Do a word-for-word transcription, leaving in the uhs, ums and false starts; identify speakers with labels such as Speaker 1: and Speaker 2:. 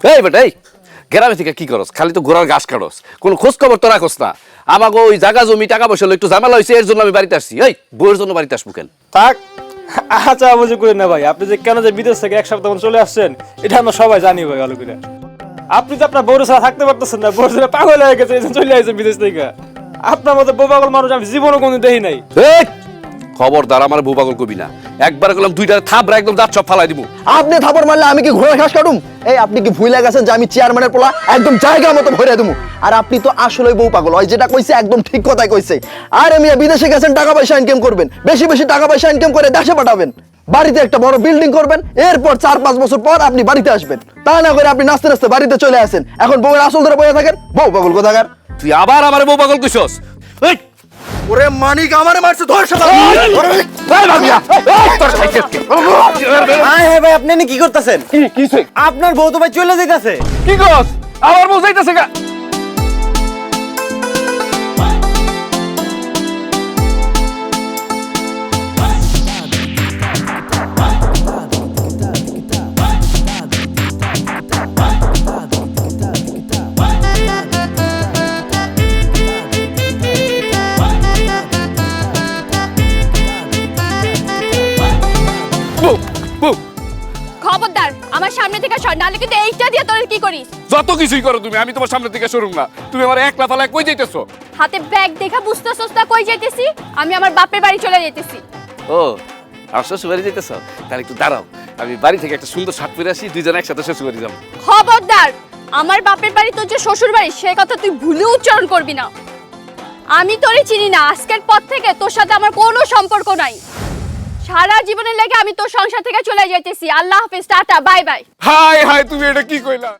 Speaker 1: এই বেটা এই গ্রামে থেকে কি করস? খালি তো ঘোড়ার ঘাস কাটস, কোনো খোঁজ খবর তো রাখস না। আমাকে ওই জায়গা জমি টাকা পয়সা হলো একটু ঝামেলা হয়েছে, এর জন্য আমি বাড়িতে আসছি। এই বউয়ের জন্য বাড়িতে আসবো কেন?
Speaker 2: থাক, আচ্ছা বুঝে করেন না ভাই। আপনি যে কেন যে বিদেশ থেকে এক সপ্তাহ চলে আসছেন এটা আমরা সবাই জানি ভাই ভালো করে। আপনি তো আপনার বউর ছাড়া থাকতে পারতেছেন না, বউর ছাড়া পাগল হয়ে গেছে, এই জন্য চলে আসছেন বিদেশ থেকে। আপনার মতো বউ পাগল মানুষ আমি জীবনও কোনোদিন দেখি নাই।
Speaker 1: এই খবরদার আমার বউ পাগল কবি না। একবার গেলাম দুইটা থাবরা একদম দাঁত সব ফালাই দিব।
Speaker 3: আপনি থাপড় মারলে আমি কি ঘোড়া ঘাস কাটুম? এই আপনি কি ভুলে গেছেন যে আমি চেয়ারম্যানের পোলা, একদম জায়গা মতো ভরে দেবো। আর আপনি তো আসলে বউ পাগল, ওই যেটা কইছে একদম ঠিক কথাই কইছে। আর আমি বিদেশে গেছেন টাকা পয়সা ইনকাম করবেন, বেশি বেশি টাকা পয়সা ইনকাম করে দেশে পাঠাবেন, বাড়িতে একটা বড় বিল্ডিং করবেন, এরপর চার পাঁচ বছর পর আপনি বাড়িতে আসবেন। তা না করে আপনি নাচতে নাচতে বাড়িতে চলে আসেন, এখন বউয়ের আসল ধরে বসে থাকেন। বউ পাগল কোথাকার!
Speaker 1: তুই আবার আমার বউ পাগল কইছস? এই
Speaker 3: ওরে মানিক আমারে মারছে, ধর শালা!
Speaker 1: এই ভাবিয়া এই তোর সাইকেল কে?
Speaker 4: হ্যাঁ হ্যাঁ ভাই, আপনি কি করতেছেন?
Speaker 1: কি কিছে?
Speaker 4: আপনার বউ তো ভাই চলে যাইতাছে।
Speaker 1: কি করস? আমার বউ যাইতাছে গা। বউ বউ
Speaker 5: খবরদার আমার সামনে থেকে সর, নাহলে কিন্তু এইটা দিয়ে তোর কি করিস।
Speaker 1: যত কিছুই করো তুমি, আমি তোমার সামনে থেকে সরুম না। তুমি আমার একলা ফালা কই যাইতেছো?
Speaker 5: হাতে ব্যাগ দেখা বুঝতেছস না কই যাইতেছি? আমি আমার বাপের বাড়ি চলে যাইতেছি।
Speaker 1: ও আর শ্বশুর বাড়ি যাইতেছো? তাহলে একটু দাঁড়াও, আমি বাড়ি থেকে একটা সুন্দর শার্ট পরে আসি, দুইজন একসাথে শ্বশুর বাড়ি যাবো।
Speaker 5: খবরদার আমার বাপের বাড়ি তোর যে শ্বশুর বাড়ি সে কথা তুই ভুলে উচ্চারণ করবি না। আমি তোরে চিনি না, আজকের পর থেকে তোর সাথে আমার কোনো সম্পর্ক নাই। সারা জীবনের লাগে আমি তোর সংসার থেকে চলে যাইতেছি। আল্লাহ হাফেজ, tata, bye bye.
Speaker 1: Hi hi তুমি এটা কি কইলা?